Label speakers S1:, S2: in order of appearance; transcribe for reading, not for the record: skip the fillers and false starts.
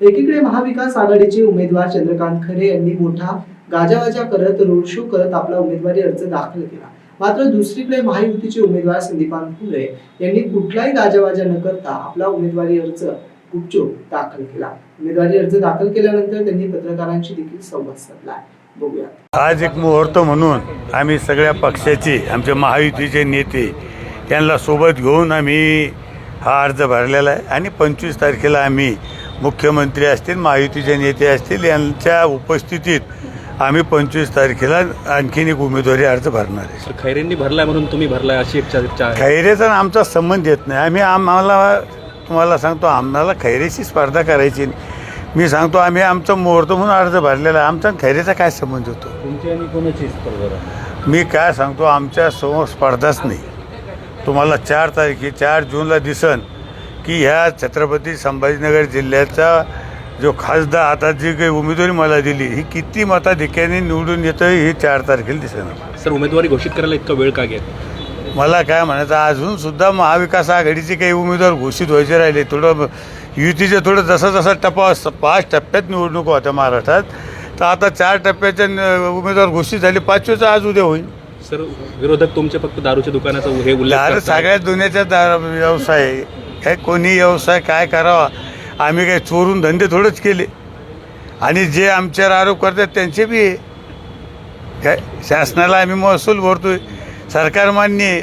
S1: एकीकडे महाविकास आघाडीचे उमेदवार चंद्रकांत खैरे यांनी मोठा गाजावाजा करत रोड शो करत आपला उमेदवारी अर्ज दाखल केला। मात्र दुसरीकडे महायुतीचे उमेदवार संदीपान फुले यांनी कुठलाही गाजावाजा न करता आपला उमेदवारी अर्ज गुपचूप दाखल केला। उमेदवारी अर्ज दाखल केल्यानंतर त्यांनी पत्रकारांशी देखील संवाद साधला। बघूया।
S2: आज एक मुहूर्त म्हणून आम्ही सगळ्या पक्षाचे आमचे महायुतीचे नेते यांना सोबत घेऊन आम्ही हा अर्ज भरलेला आहे आणि 25 तारखेला आम्ही मुख्यमंत्री असतील, महायुतीचे नेते असतील यांच्या उपस्थितीत आम्ही 25 तारखेला आणखीन एक उमेदवारी अर्ज भरणार आहे।
S3: खैरेंनी भरलाय म्हणून तुम्ही भरलाय अशी एक चर्चा आहे।
S2: खैरेचा आमचा संबंध येत नाही। आम्हाला तुम्हाला सांगतो, आम्हाला खैरेशी स्पर्धा करायची नाही। मी सांगतो आम्ही आमचा मुहूर्त म्हणून अर्ज भरलेला आहे। आमचा खैरेचा काय संबंध होतो?
S3: तुमची आणि कोणाची स्पर्धा?
S2: मी काय सांगतो, आमच्या समोर स्पर्धाच नाही। तुम्हाला 4 जूनला दिसन की ह्या छत्रपती संभाजीनगर जिल्ह्याचा जो खासदार आता जी काही उमेदवारी मला दिली ही किती मताधिक्याने निवडून येतं हे 4 तारखेला दिसेल।
S3: सर, उमेदवारी घोषित करायला इतका वेळ का घेत?
S2: मला काय म्हणायचं, अजून सुद्धा महाविकास आघाडीचे काही उमेदवार घोषित व्हायचे राहिले। थोडं युतीचे थोडं जसा टप्पा 5 टप्प्यात निवडणूक होत्या महाराष्ट्रात, तर आता 4 टप्प्याचे उमेदवार घोषित झाले, 5वेचा आज उद्या होईल।
S3: सर, विरोधक तुमचे फक्त दारूच्या दुकानाचा हे उल्लेख
S2: दारू
S3: करतायत।
S2: सगळ्या दुनियाचा व्यवसाय आहे। काय कोणी व्यवसाय काय करावा, आम्ही काही चोरून धंदे थोडेच केले आणि जे आमच्यावर आरोप करतात त्यांचे बी आहे। काय शासनाला आम्ही महसूल भरतोय, सरकार मान्य आहे,